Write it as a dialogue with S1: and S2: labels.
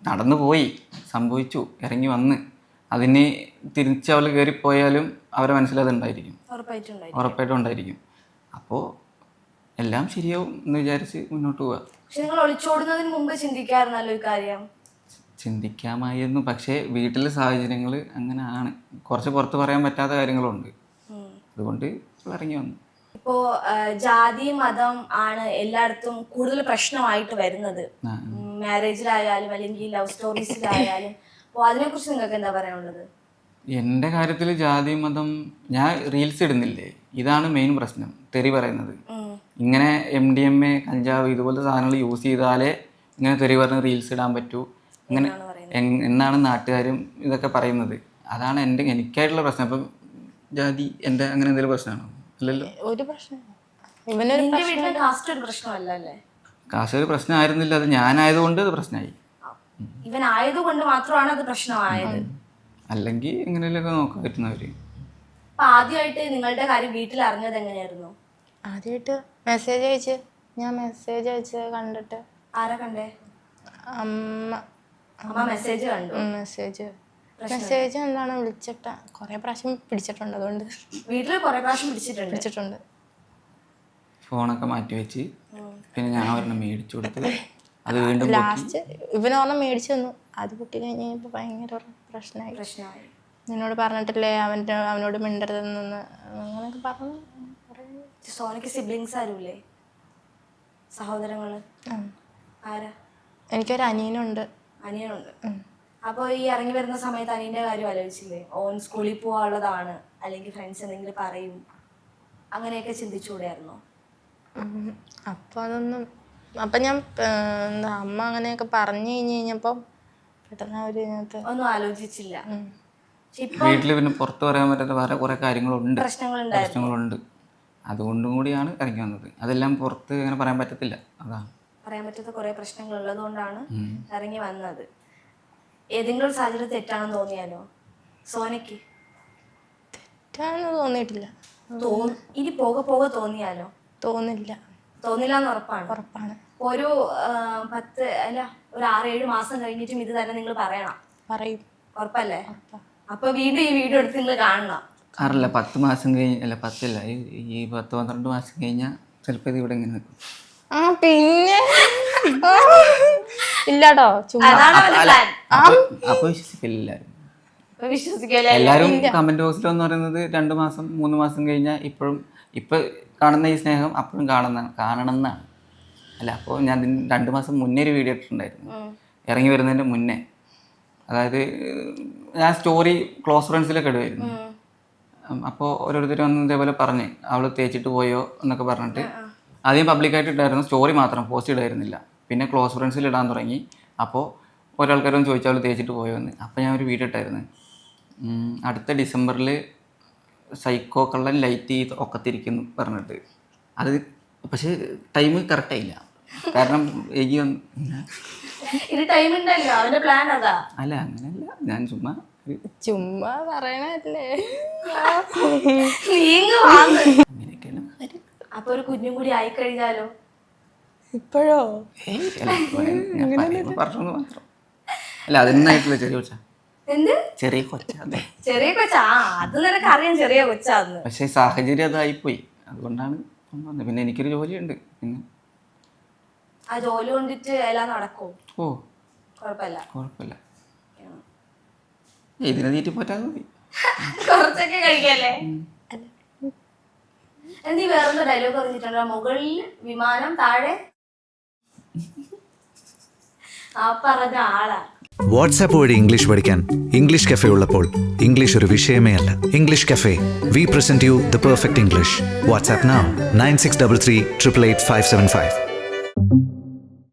S1: നടന്നു പോയി, സംഭവിച്ചു, ഇറങ്ങി വന്ന് അതിന് തിരിച്ച് അവൾ കയറിപ്പോയാലും അവരെ മനസ്സിലതുണ്ടായിരിക്കും, ഉറപ്പായിട്ടും ഉണ്ടായിരിക്കും. അപ്പോൾ എല്ലാം ശരിയാവും എന്ന് വിചാരിച്ച് മുന്നോട്ട് പോവുക.
S2: പക്ഷെ നിങ്ങൾ ഒളിച്ചോടുന്നതിന് മുമ്പ് ചിന്തിക്കാറുണ്ടല്ലോ ഈ കാര്യം.
S1: ചിന്തിക്കാമായിരുന്നു, പക്ഷേ വീട്ടിലെ സാഹചര്യങ്ങൾ അങ്ങനെ ആണ്, കുറച്ച് പുറത്ത് പറയാൻ പറ്റാത്ത കാര്യങ്ങളുണ്ട്, അതുകൊണ്ട് ഇറങ്ങി വന്നു.
S2: ഇപ്പോ ജാതി മതം ആണ് എല്ലായിടത്തും കൂടുതൽ പ്രശ്നമായിട്ട് വരുന്നത്, മാരേജിലായാലും അല്ലെങ്കിൽ ലവ് സ്റ്റോറീസിലായാലും. അപ്പോൾ അതിനെക്കുറിച്ച് നിങ്ങൾക്ക് എന്താ പറയാനുള്ളത്?
S1: എൻ്റെ കാര്യത്തിൽ ജാതി മതം, ഞാൻ റീൽസ് ഇടുന്നില്ലേ, ഇതാണ് മെയിൻ പ്രശ്നം. തെറി പറയുന്നത് ഇങ്ങനെ MDMA കഞ്ചാവ് ഇതുപോലത്തെ സാധനങ്ങൾ യൂസ് ചെയ്താലേ ഇങ്ങനെ തെറി പറഞ്ഞ് റീൽസ് ഇടാൻ പറ്റൂ അങ്ങനെ എന്നാണ് നാട്ടുകാരും ഇതൊക്കെ പറയുന്നത്. അതാണ് എനിക്കായിട്ടുള്ള പ്രശ്നം. അപ്പം ജാതി എൻ്റെ അങ്ങനെ എന്തെങ്കിലും പ്രശ്നമാണോ? അല്ലല്ലോ,
S3: ഒരു പ്രശ്നം
S1: കാശ് ഒരു പ്രശ്നമായിരുന്നില്ല, അത് ഞാനായതുകൊണ്ട് അത് പ്രശ്നമായി.
S2: ഇവനായതുകൊണ്ട് മാത്രമാണ് അത് പ്രശ്നമായത്.
S1: അല്ലെങ്കിൽ എങ്ങനെയൊക്കെ നോക്കാൻ പറ്റുന്നവര്.
S2: ആദ്യമായിട്ട് നിങ്ങളുടെ കാര്യം വീട്ടിൽ അറിഞ്ഞത് എങ്ങനെയായിരുന്നു?
S3: ആദ്യമായിട്ട് മെസ്സേജ് അയച്ച്, ഞാൻ മെസ്സേജ് അയച്ച് കണ്ടിട്ട്.
S2: ആരാ കണ്ടേ? അമ്മ മെസ്സേജ് കണ്ടു.
S3: മെസ്സേജ് എന്താണ് വിളിച്ചിട്ട കൊറേ പ്രാവശ്യം പിടിച്ചിട്ടുണ്ട്, അതുകൊണ്ട്
S2: വീട്ടിൽ കൊറേ പ്രാവശ്യം പിടിച്ചിട്ടുണ്ട്.
S1: ഫോണൊക്കെ മാറ്റി വെച്ച് പിന്നെ ഞാൻ ഒരെണ്ണം മേടിച്ചു കൊടുത്ത് അത് വീണ്ടും
S3: ലാസ്റ്റ് ഇവനൊരെണ്ണം മേടിച്ചു തന്നു. അത് പൊട്ടി കഴിഞ്ഞപ്പോൾ ഭയങ്കര പ്രശ്നമായി. നിന്നോട് പറഞ്ഞിട്ടില്ലേ അവനോട് മിണ്ടരുതെന്ന് അങ്ങനെയൊക്കെ പറഞ്ഞു.
S2: സോനയ്ക്ക് സിബ്ലിങ്സ് ആരുമില്ലേ, സഹോദരങ്ങള്? ആരാ?
S3: എനിക്കൊരു അനിയനുണ്ട്.
S2: അപ്പോൾ ഈ ഇറങ്ങി വരുന്ന സമയത്ത് അനിയന്റെ കാര്യം ആലോചിച്ചില്ലേ? ഓൻ സ്കൂളിൽ പോകാനുള്ളതാണ്, അല്ലെങ്കിൽ ഫ്രണ്ട്സ് എന്തെങ്കിലും പറയും, അങ്ങനെയൊക്കെ ചിന്തിച്ചുകൂടെയായിരുന്നോ?
S3: അപ്പോൾ അതൊന്നും, അപ്പം ഞാൻ എന്താ അമ്മ അങ്ങനെയൊക്കെ പറഞ്ഞു കഴിഞ്ഞപ്പോൾ പെട്ടെന്ന്
S2: ഒന്നും ആലോചിച്ചില്ല.
S1: വീട്ടിൽ പിന്നെ പുറത്ത് പറയാൻ പറ്റാത്ത വേറെ കുറെ കാര്യങ്ങളുണ്ട്, പ്രശ്നങ്ങളുണ്ട്. അതുകൊണ്ടും കൂടിയാണ് ഇറങ്ങി വന്നത്. അതെല്ലാം പുറത്ത് അങ്ങനെ പറയാൻ പറ്റത്തില്ല, അതാണ്
S2: പറയാൻ പറ്റാത്ത കുറെ പ്രശ്നങ്ങൾ ഉള്ളതുകൊണ്ടാണ് ഇറങ്ങി വന്നത്. ഏതെങ്കിലും ഒരു സാഹചര്യം തെറ്റാണെന്ന് തോന്നിയാലോ സോനയ്ക്ക്?
S3: തെറ്റാണെന്ന് തോന്നിയിട്ടില്ല.
S2: ഇനി പോകെ പോകെ തോന്നിയാലോ?
S3: തോന്നില്ല
S2: എന്ന് ഉറപ്പാണ്. ഒരു 6-7 മാസം കഴിഞ്ഞിട്ടും ഇത് തന്നെ നിങ്ങൾ പറയും, ഉറപ്പല്ലേ? അപ്പൊ വീണ്ടും ഈ വീഡിയോ എടുത്ത് നിങ്ങൾ കാണണം.
S1: 10 മാസം കഴിഞ്ഞ്, അല്ല 10 ഈ 10-12 മാസം കഴിഞ്ഞാൽ ചിലപ്പോൾ ഇത് ഇവിടെ ഇങ്ങനെ നിൽക്കും.
S3: പിന്നെ ഇല്ലാട്ടോ,
S1: അപ്പൊ വിശ്വസിക്കില്ല എല്ലാരും. കമന്റ് ബോക്സിൽ എന്ന് പറയുന്നത് 2 മാസം 3 മാസം കഴിഞ്ഞാൽ ഇപ്പൊ കാണുന്ന ഈ സ്നേഹം അപ്പോഴും കാണണമെന്നാണ്. അല്ല, അപ്പോൾ ഞാൻ 2 മാസം മുന്നേ ഒരു വീഡിയോ ഇട്ടിട്ടുണ്ടായിരുന്നു, ഇറങ്ങി വരുന്നതിന്റെ മുന്നേ. അതായത് ഞാൻ സ്റ്റോറി ക്ലോസ് ഫ്രണ്ട്സിലൊക്കെ ഇടുമായിരുന്നു. അപ്പോൾ ഓരോരുത്തർ വന്ന് ഇതേപോലെ പറഞ്ഞ് അവൾ തേച്ചിട്ട് പോയോ എന്നൊക്കെ പറഞ്ഞിട്ട് ആദ്യം പബ്ലിക്കായിട്ട് ഇട്ടായിരുന്നു, സ്റ്റോറി മാത്രം പോസ്റ്റ് ഇടായിരുന്നില്ല. പിന്നെ ക്ലോസ് ഫ്രണ്ട്സിൽ ഇടാൻ തുടങ്ങി. അപ്പോൾ ഒരാൾക്കാരൊന്ന് ചോദിച്ചാൽ അവൾ തേച്ചിട്ട് പോയോ എന്ന്. അപ്പോൾ ഞാൻ ഒരു വീഡിയോ ഇട്ടായിരുന്നു, അടുത്ത ഡിസംബറിൽ സൈക്കോ കള്ളൻ ലൈറ്റ് ചെയ്ത് ഒക്കത്തിരിക്കുന്നു പറഞ്ഞിട്ട്. അത് പക്ഷേ ടൈം കറക്റ്റായില്ല, കാരണം അല്ല അങ്ങനെയല്ല, ഞാൻ
S3: ചുമ്മാ പറയണല്ലേ.
S1: അങ്ങനെയൊക്കെയാണ്.
S2: അപ്പൊ ഒരു കുഞ്ഞും കൂടി ആയി കഴിഞ്ഞാലോ?
S3: ഇപ്പോഴോ?
S1: പറഞ്ഞു മാത്രം. അല്ല, അതിനായിട്ടുള്ള ചെറിയ കൊച്ചാ.
S2: അത് നിനക്ക് അറിയാം, ചെറിയ കൊച്ചാന്ന്.
S1: പക്ഷെ സാഹചര്യം അതായിപ്പോയി, അതുകൊണ്ടാണ്. പിന്നെ എനിക്കൊരു ജോലിയുണ്ട്, പിന്നെ
S2: ആ ജോലി കൊണ്ടിട്ട് എല്ലാം നടക്കും.
S1: ഓ
S2: കുഴപ്പമില്ല.
S1: ഇതിനെ തീറ്റി പോറ്റാതെ മതി,
S2: കുറച്ചൊക്കെ കഴിക്കല്ലേ. നീ വേറൊരു ഡയലോഗ് പറഞ്ഞിട്ടുണ്ടോ? മുകളിൽ വിമാനം, താഴെ ആ പറഞ്ഞ ആളാ.
S4: വാട്സാപ്പ് വഴി ഇംഗ്ലീഷ് പഠിക്കാൻ ഇംഗ്ലീഷ് കഫേ ഉള്ളപ്പോൾ ഇംഗ്ലീഷ് ഒരു വിഷയമേ അല്ല. English cafe, we present you the perfect English. WhatsApp now 9633 888 575.